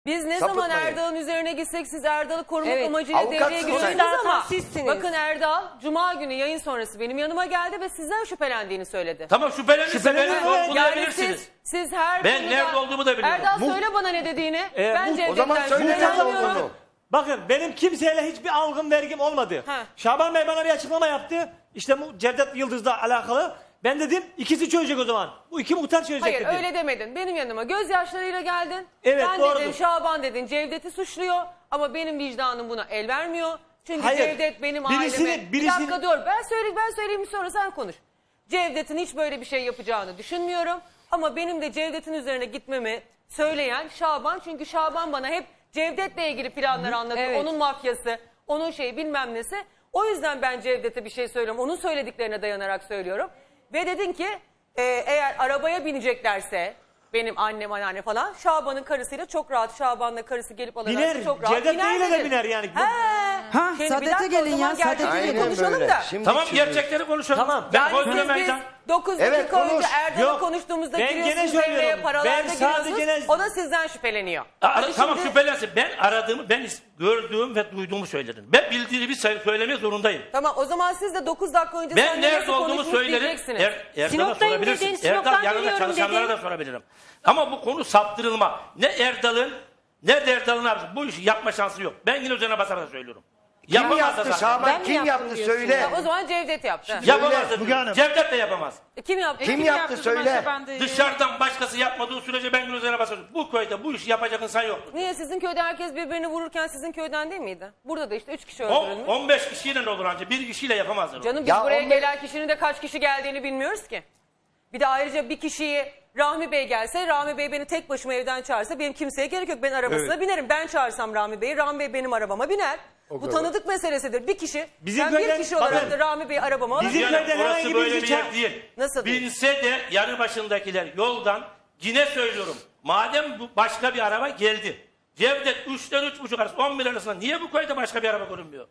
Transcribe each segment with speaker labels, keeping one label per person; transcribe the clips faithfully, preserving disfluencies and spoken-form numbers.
Speaker 1: Biz ne zaman
Speaker 2: Sapıtmayın.
Speaker 1: Erdal'ın üzerine gitsek siz Erdal'ı korumak
Speaker 3: Evet.
Speaker 1: amacıyla
Speaker 2: Avukatsınız
Speaker 1: devreye
Speaker 2: sen.
Speaker 1: giriyorsunuz ama
Speaker 3: Sizsiniz.
Speaker 1: bakın Erdal Cuma günü yayın sonrası benim yanıma geldi ve sizden şüphelendiğini söyledi.
Speaker 4: Tamam şüphelenirse
Speaker 5: Şüpheleniyor
Speaker 4: beni
Speaker 5: mu?
Speaker 1: Yani
Speaker 4: sorgulayabilirsiniz.
Speaker 1: siz, siz her
Speaker 4: Ben
Speaker 1: konuda...
Speaker 4: nerede olduğumu da biliyorum.
Speaker 1: Erdal
Speaker 2: Mu-
Speaker 1: söyle bana ne dediğini.
Speaker 5: Ee,
Speaker 1: ben
Speaker 5: mu-
Speaker 1: Cevdet'ten
Speaker 2: O zaman söyle nerede
Speaker 1: şüphelenmiyorum.
Speaker 2: olduğunu.
Speaker 5: Bakın benim kimseyle hiçbir algım vergim olmadı.
Speaker 1: Ha.
Speaker 5: Şaban Bey bana bir açıklama yaptı. İşte bu Cevdet Yıldız'la alakalı. Ben dedim ikisi çözecek o zaman. Bu iki muhtar çözecek
Speaker 1: Hayır
Speaker 5: dedim.
Speaker 1: öyle demedin. Benim yanıma gözyaşlarıyla geldin.
Speaker 5: Evet,
Speaker 1: Sen
Speaker 5: doğrudur.
Speaker 1: dedin Şaban dedin Cevdet'i suçluyor ama benim vicdanım buna el vermiyor. Çünkü
Speaker 5: Hayır,
Speaker 1: Cevdet benim
Speaker 5: birisini-
Speaker 1: aileme...
Speaker 5: birisini-
Speaker 1: Bir dakika dur ben söyleyeyim ben söyleyeyim sonra sen konuş. Cevdet'in hiç böyle bir şey yapacağını düşünmüyorum. Ama benim de Cevdet'in üzerine gitmemi söyleyen Şaban. Çünkü Şaban bana hep Cevdet'le ilgili planlar anlatıyor.
Speaker 3: Evet.
Speaker 1: Onun mafyası, onun şeyi bilmem nesi. O yüzden ben Cevdet'e bir şey söylüyorum. Onun söylediklerine dayanarak söylüyorum. Ve dedin ki e, eğer arabaya bineceklerse benim annem anneanne falan Şaban'ın karısıyla çok rahat Şaban'la karısı gelip alırlar
Speaker 5: Biner.
Speaker 1: çok rahat
Speaker 5: Cevdet
Speaker 1: biner
Speaker 5: Bey'le de
Speaker 1: dedin.
Speaker 5: biner yani.
Speaker 1: He.
Speaker 6: Ha,
Speaker 1: Şimdi bir
Speaker 6: Saadet'e
Speaker 1: dakika, o
Speaker 6: gelin
Speaker 1: zaman
Speaker 6: ya, Saadet'e
Speaker 1: gerçekleri
Speaker 6: gelin.
Speaker 2: Aynen
Speaker 1: konuşalım
Speaker 2: böyle.
Speaker 1: da.
Speaker 2: Şimdi
Speaker 4: Tamam
Speaker 2: şimdi-
Speaker 4: gerçekleri konuşalım.
Speaker 5: Tamam.
Speaker 4: Ben
Speaker 1: Yani
Speaker 4: koydum
Speaker 1: siz biz
Speaker 4: meydan.
Speaker 1: dokuz
Speaker 2: Evet,
Speaker 1: dakika önce
Speaker 2: konuş.
Speaker 1: Erdal'la
Speaker 5: Yok,
Speaker 1: konuştuğumuzda
Speaker 5: ben
Speaker 1: giriyorsunuz
Speaker 5: gene
Speaker 1: devreye
Speaker 5: söylüyorum.
Speaker 1: paralarda
Speaker 5: Ben sadece
Speaker 1: giriyorsunuz.
Speaker 5: gene-
Speaker 1: O da sizden şüpheleniyor.
Speaker 4: Aa,
Speaker 1: Hadi
Speaker 4: tamam
Speaker 1: şimdi-
Speaker 4: şüphelensin. Ben aradığımı, ben is- gördüğüm ve duyduğumu söyledim. Ben bildiğimi say- söylemeye zorundayım.
Speaker 1: Tamam o zaman siz de dokuz dakika önce
Speaker 4: Ben
Speaker 1: sen
Speaker 4: nerede
Speaker 1: nasıl
Speaker 4: olduğumu
Speaker 1: konuşmuş
Speaker 4: söylerim.
Speaker 1: diyeceksiniz.
Speaker 4: Er, Erdal'a
Speaker 3: Sinop'tayım
Speaker 4: sorabilirsin.
Speaker 3: dedin, Sinop'tan
Speaker 4: Erdal yanında
Speaker 3: geliyorum
Speaker 4: çalışanlara
Speaker 3: dedin.
Speaker 4: da sorabilirim. Ama bu konu saptırılma. Ne Erdal'ın ne de Erdal'ın abisi. Bu işi yapma şansı yok. Ben yine üzerine basarak söylüyorum.
Speaker 2: Kim
Speaker 4: Yapamaz da
Speaker 2: yaptı
Speaker 4: zaten.
Speaker 2: Şaban?
Speaker 3: Ben mi
Speaker 2: Kim
Speaker 3: yaptım
Speaker 2: yaptı
Speaker 3: diyorsun
Speaker 2: söyle.
Speaker 1: Ya, o zaman Cevdet yaptı.
Speaker 4: Yapamaz da
Speaker 5: Müge Hanım.
Speaker 4: Cevdet de yapamaz.
Speaker 1: E, Kim yaptı?
Speaker 2: Kim yaptı söyle.
Speaker 4: Dışarıdan başkası yapmadığı sürece ben üzerine basarım. Bu köyde bu işi yapacak insan yoktur.
Speaker 1: Niye sizin köyde herkes birbirini vururken sizin köyden değil miydi? Burada da işte üç kişi
Speaker 4: On-
Speaker 1: öldürülmüş.
Speaker 4: on beş kişiyle ne olur ancak bir kişiyle yapamazlar. onu.
Speaker 1: Canım biz
Speaker 2: Ya
Speaker 1: buraya
Speaker 2: on beş
Speaker 1: gelen kişinin de kaç kişi geldiğini bilmiyoruz ki. Bir de ayrıca bir kişiyi Rahmi Bey gelse, Rahmi Bey beni tek başıma evden çağırsa benim kimseye gerek yok. Ben arabasına binerim. Ben çağırsam Rahmi Bey'i, Rahmi Bey benim arabama biner. Bu
Speaker 2: kadar.
Speaker 1: tanıdık meselesidir. Bir kişi,
Speaker 5: Bizim
Speaker 1: ben bir
Speaker 5: köyden-
Speaker 1: kişi olarak
Speaker 5: bakın,
Speaker 1: da Rahmi Bey'i arabama alırım.
Speaker 5: Bizim
Speaker 4: Yani
Speaker 5: köyden
Speaker 4: orası
Speaker 5: herhangi
Speaker 4: böyle
Speaker 5: birisi
Speaker 4: bir yer
Speaker 5: ça-
Speaker 4: değil.
Speaker 1: Nasıl değil?
Speaker 4: Bilse de yanı başındakiler yoldan yine söylüyorum. Madem bu başka bir araba geldi. Cevdet üçten üç buçuk arası on bir arasında niye bu köyde başka bir araba görünmüyor?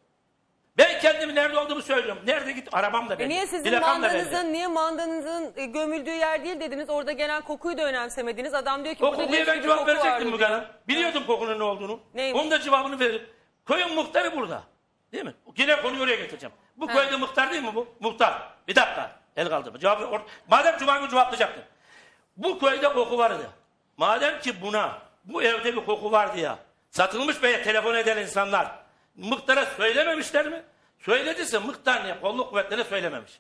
Speaker 4: Ben kendimi nerede olduğumu söylüyorum. Nerede git arabam da belli.
Speaker 1: E niye sizin
Speaker 4: Plakam da belli.
Speaker 1: mandanızın, niye mandanızın e, gömüldüğü yer değil dediniz. Orada gelen kokuyu da önemsemediniz. Adam diyor ki
Speaker 4: O
Speaker 1: burada
Speaker 4: kokuya
Speaker 1: leş
Speaker 4: ben
Speaker 1: gibi
Speaker 4: cevap
Speaker 1: koku
Speaker 4: verecektim
Speaker 1: vardı
Speaker 4: Müge
Speaker 1: diyor.
Speaker 4: Hanım. Biliyordum kokunun ne olduğunu.
Speaker 1: Neymiş?
Speaker 4: Onun da cevabını veririm. Köyün muhtarı burada. Değil mi? Yine konuyu oraya getireceğim. Bu
Speaker 1: He.
Speaker 4: köyde muhtar değil mi bu? Muhtar. Bir dakika. El kaldırma. Cevabı or- Madem Cuma günü cevaplayacaktım. Bu köyde koku vardı. Madem ki buna, bu evde bir koku vardı ya. Satılmış beye telefon eden insanlar muhtara söylememişler mi? Söylediyse muhtar niye? Kolluk kuvvetlerine söylememiş.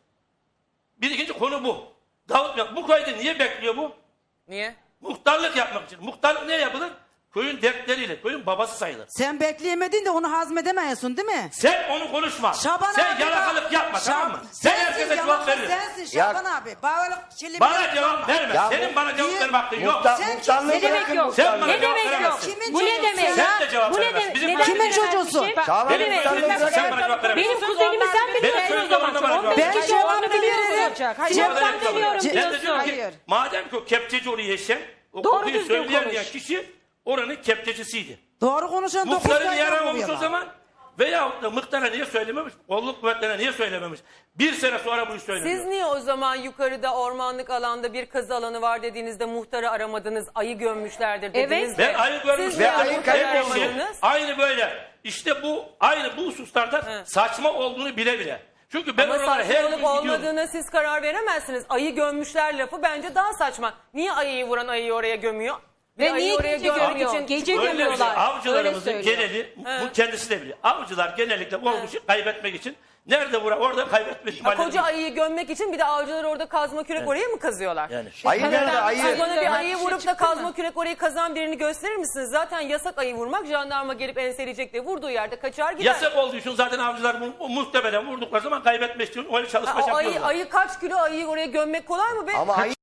Speaker 4: Bir ikinci konu bu. Davut, bu köyde niye bekliyor bu?
Speaker 1: Niye?
Speaker 4: Muhtarlık yapmak için. Muhtarlık ne yapılır? Köyün dertleriyle, köyün babası sayılır.
Speaker 6: Sen bekleyemedin de onu hazmedemiyorsun değil mi?
Speaker 4: Sen onu konuşma.
Speaker 6: Şaban
Speaker 4: Sen
Speaker 6: abi
Speaker 4: yalakalık
Speaker 6: bak-
Speaker 4: yapma
Speaker 6: Şab-
Speaker 4: tamam mı? Sen
Speaker 6: sensin,
Speaker 4: herkese cevap
Speaker 6: yalakalık
Speaker 4: veriyorsun.
Speaker 6: Sensin
Speaker 2: Ya-
Speaker 6: Şaban abi. Bana, çilli
Speaker 4: Bana
Speaker 6: bir-
Speaker 4: cevap verme.
Speaker 2: Ya
Speaker 4: Senin
Speaker 2: bu-
Speaker 4: bana cevap
Speaker 6: Niye?
Speaker 4: verme hakkın yok.
Speaker 2: Muhtar,
Speaker 6: Sen
Speaker 2: muhtarlığı
Speaker 3: Ne demek
Speaker 2: bırakın
Speaker 3: yok?
Speaker 4: Sen bana
Speaker 2: muhtarlığı.
Speaker 3: Ne
Speaker 4: cevap
Speaker 3: demek yok?
Speaker 4: veremezsin.
Speaker 6: Kimin
Speaker 3: Bu ne
Speaker 6: çocuğusun
Speaker 3: demek?
Speaker 6: ya?
Speaker 4: Sen de cevap
Speaker 3: Bu ne
Speaker 4: veremezsin.
Speaker 3: demek?
Speaker 4: Bizim
Speaker 3: Neden
Speaker 6: Kimin
Speaker 3: veremezsin?
Speaker 6: çocuğusun?
Speaker 2: Şaban
Speaker 3: Ne demek?
Speaker 2: muhtarlığı
Speaker 4: Sen
Speaker 2: bırakın.
Speaker 4: bana cevap veremezsin.
Speaker 3: Benim kuzenimi sen
Speaker 4: Benim
Speaker 3: biliyorsun o
Speaker 4: köyümde
Speaker 3: zaman.
Speaker 4: bana cevap
Speaker 3: on beş
Speaker 4: ver.
Speaker 3: kişi
Speaker 6: Ben
Speaker 3: olduğunu
Speaker 6: cevabını
Speaker 3: biliyorsun.
Speaker 6: veriyorum. Hayır.
Speaker 3: Sinop'tan
Speaker 4: Ben de
Speaker 3: geliyorum
Speaker 4: Ben de
Speaker 3: diyorsun.
Speaker 4: diyorum ki
Speaker 6: Hayır.
Speaker 4: madem ki o kepçeci orayı yaşayan o
Speaker 3: Doğru
Speaker 4: kokuyu
Speaker 3: düzgün
Speaker 4: söyleyen
Speaker 3: konuş.
Speaker 4: diyen kişi oranın kepçecisiydi.
Speaker 6: Doğru konuşan dokuz
Speaker 4: Muhtarı
Speaker 6: tane
Speaker 4: niye aramamış o
Speaker 6: oluyorlar.
Speaker 4: zaman? Veyahut da muhtara niye söylememiş? Kolluk kuvvetlerine niye söylememiş? Bir sene sonra bu iş söyleniyor.
Speaker 1: Siz niye o zaman yukarıda ormanlık alanda bir kazı alanı var dediğinizde muhtarı aramadınız, ayı gömmüşlerdir dediniz
Speaker 3: Evet.
Speaker 1: de.
Speaker 4: Ben ayı görmüşüm.
Speaker 1: Siz niye
Speaker 2: Ve ayı
Speaker 1: muhtarı
Speaker 2: kayboldu.
Speaker 1: aramadınız?
Speaker 4: Aynı böyle. İşte bu aynı bu hususlarda
Speaker 1: He.
Speaker 4: saçma olduğunu bile bile. Çünkü ben
Speaker 1: Ama
Speaker 4: oralara her gün
Speaker 1: saçmalık
Speaker 4: gidiyorum.
Speaker 1: olmadığına siz karar veremezsiniz. Ayı gömmüşler lafı bence daha saçma. Niye ayıyı vuran ayıyı oraya gömüyor? Bir
Speaker 3: Ve
Speaker 1: ayıyı
Speaker 3: niye
Speaker 1: oraya
Speaker 3: gece
Speaker 1: gömmek
Speaker 3: gömüyor?
Speaker 1: için-
Speaker 3: Gece
Speaker 4: Öyle bir şey.
Speaker 3: gömüyorlar.
Speaker 4: Avcılarımızın
Speaker 3: Öyle söylüyor.
Speaker 4: geneli,
Speaker 1: He.
Speaker 4: bu kendisi de biliyor. Avcılar genellikle olmuşu kaybetmek için nerede vura orada kaybetme
Speaker 1: Ha,
Speaker 4: ihtimali.
Speaker 1: koca ayıyı gömmek için bir de avcılar orada kazma kürek oraya mı kazıyorlar?
Speaker 4: Yani.
Speaker 2: Ayı nerede ayı?
Speaker 1: Siz bana bir
Speaker 3: Ayı
Speaker 1: ayıyı
Speaker 3: şey
Speaker 1: vurup da
Speaker 3: çıktı
Speaker 1: kazma
Speaker 3: mı?
Speaker 1: kürek orayı kazan birini gösterir misiniz? Zaten yasak ayı vurmak. Jandarma gelip enseleyecek diye vurduğu yerde kaçar gider.
Speaker 4: Yasak olduğu için zaten avcılar bu, muhtemelen vurdukları zaman kaybetmek için öyle
Speaker 1: Ha,
Speaker 4: çalışma
Speaker 1: o ayı,
Speaker 4: yapıyorlar.
Speaker 1: ayı kaç kilo ayıyı oraya gömmek kolay mı be?
Speaker 2: Ama ayı